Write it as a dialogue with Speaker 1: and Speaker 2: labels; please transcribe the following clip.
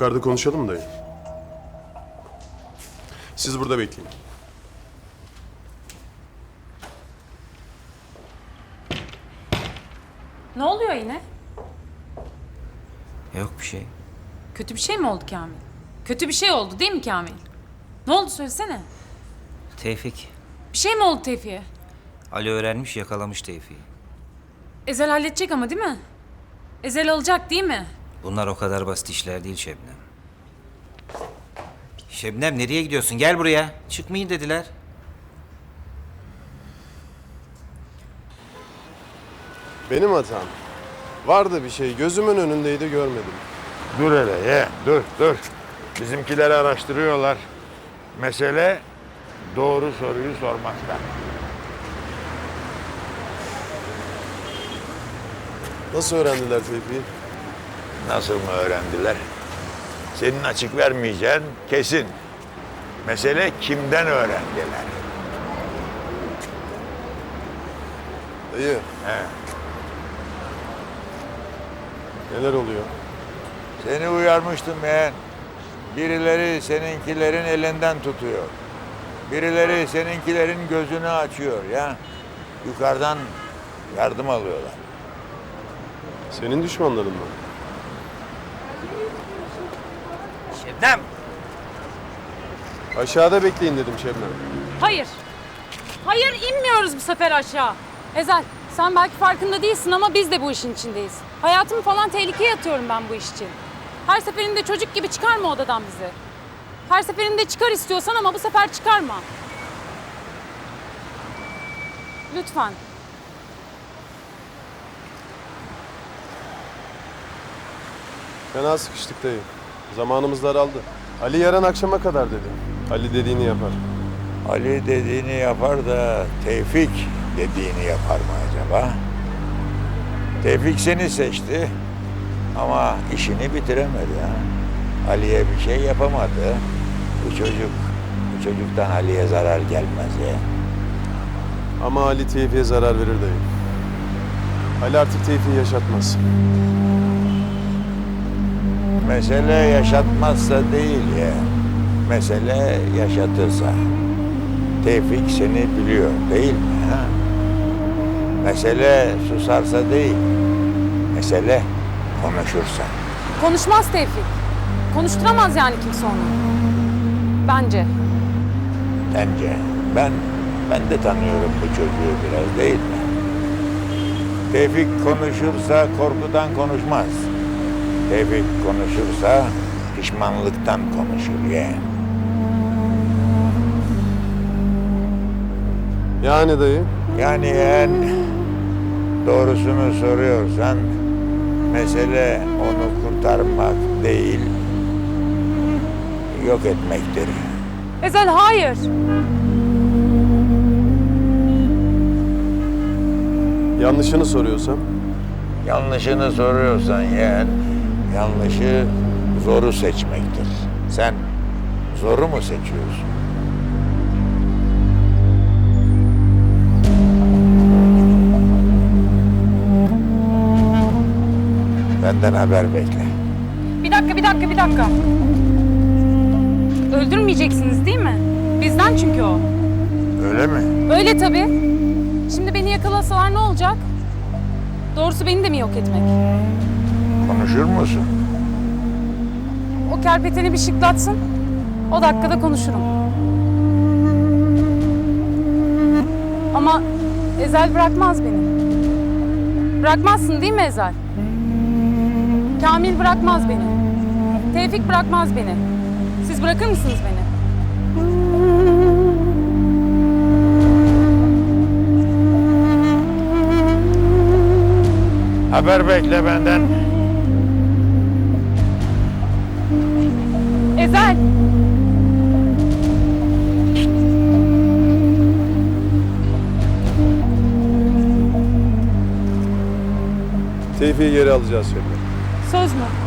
Speaker 1: Yukarıda konuşalım dayı. Siz burada bekleyin.
Speaker 2: Ne oluyor yine?
Speaker 3: Yok bir şey.
Speaker 2: Kötü bir şey mi oldu Kamil? Kötü bir şey oldu değil mi Kamil? Ne oldu söylesene.
Speaker 3: Tevfik.
Speaker 2: Bir şey mi oldu Tevfik'e?
Speaker 3: Ali öğrenmiş, yakalamış Tevfik'i.
Speaker 2: Ezel halledecek ama değil mi? Ezel alacak değil mi?
Speaker 3: Bunlar o kadar basit işler değil Şebnem. Şebnem nereye gidiyorsun? Gel buraya. Çıkmayın dediler.
Speaker 1: Benim hatam. Vardı bir şey. Gözümün önündeydi, görmedim.
Speaker 4: Dur hele ye, dur. Bizimkileri araştırıyorlar. Mesele doğru soruyu sormakta.
Speaker 1: Nasıl öğrendiler Tevfik'i?
Speaker 4: Nasıl mı öğrendiler? Senin açık vermeyeceğin kesin. Mesele kimden öğrendiler?
Speaker 1: Dayı,
Speaker 4: He.
Speaker 1: neler oluyor?
Speaker 4: Seni uyarmıştım yeğen. Birileri seninkilerin elinden tutuyor. Birileri seninkilerin gözünü açıyor ya. Yukarıdan yardım alıyorlar.
Speaker 1: Senin düşmanların mı?
Speaker 3: Şebnem!
Speaker 1: Aşağıda bekleyin dedim Şebnem.
Speaker 2: Hayır. Hayır inmiyoruz bu sefer aşağı. Ezel sen belki farkında değilsin ama biz de bu işin içindeyiz. Hayatımı falan tehlikeye atıyorum ben bu iş için. Her seferinde çocuk gibi çıkarma odadan bizi. Her seferinde çıkar istiyorsan ama bu sefer çıkarma. Lütfen.
Speaker 1: Fena sıkıştık dayı. Zamanımız daraldı. Ali yarın akşama kadar dedi. Ali dediğini yapar.
Speaker 4: Ali dediğini yapar da Tevfik dediğini yapar mı acaba? Tevfik seni seçti ama işini bitiremedi ha. Ali'ye bir şey yapamadı. Bu çocuktan Ali'ye zarar gelmez ya.
Speaker 1: Ama Ali Tevfik'e zarar verir dayı. Ali artık Tevfik'i yaşatmaz.
Speaker 4: Mesele yaşatmazsa değil ya. Mesele yaşatırsa. Tevfik seni biliyor değil mi? Ha? Mesele susarsa değil. Mesele konuşursa.
Speaker 2: Konuşmaz Tevfik. Konuşturamaz yani kimse onu. Bence.
Speaker 4: Bence ben de tanıyorum bu çocuğu biraz değil mi? Tevfik konuşursa korkudan konuşmaz. Tevfik konuşursa pişmanlıktan konuşur yeğen.
Speaker 1: Yani dayı?
Speaker 4: Yani yeğen doğrusunu soruyorsan mesele onu kurtarmak değil, yok etmektir.
Speaker 2: Ezel hayır.
Speaker 1: Yanlışını soruyorsam?
Speaker 4: Yanlışını soruyorsan yeğen, yanlışı zoru seçmektir. Sen zoru mu seçiyorsun? Benden haber bekle.
Speaker 2: Bir dakika. Öldürmeyeceksiniz değil mi? Bizden çünkü o.
Speaker 4: Öyle mi?
Speaker 2: Öyle tabii. Şimdi beni yakalasalar ne olacak? Doğrusu beni de mi yok etmek?
Speaker 4: Konuşur musun?
Speaker 2: O kerpeteni bir şıklatsın. O dakikada konuşurum. Ama Ezel bırakmaz beni. Bırakmazsın değil mi Ezel? Kamil bırakmaz beni. Tevfik bırakmaz beni. Siz bırakır mısınız beni?
Speaker 4: Haber bekle benden.
Speaker 2: Ezel!
Speaker 1: Tevfik'i geri alacağız Şebnem.
Speaker 2: Söz mü?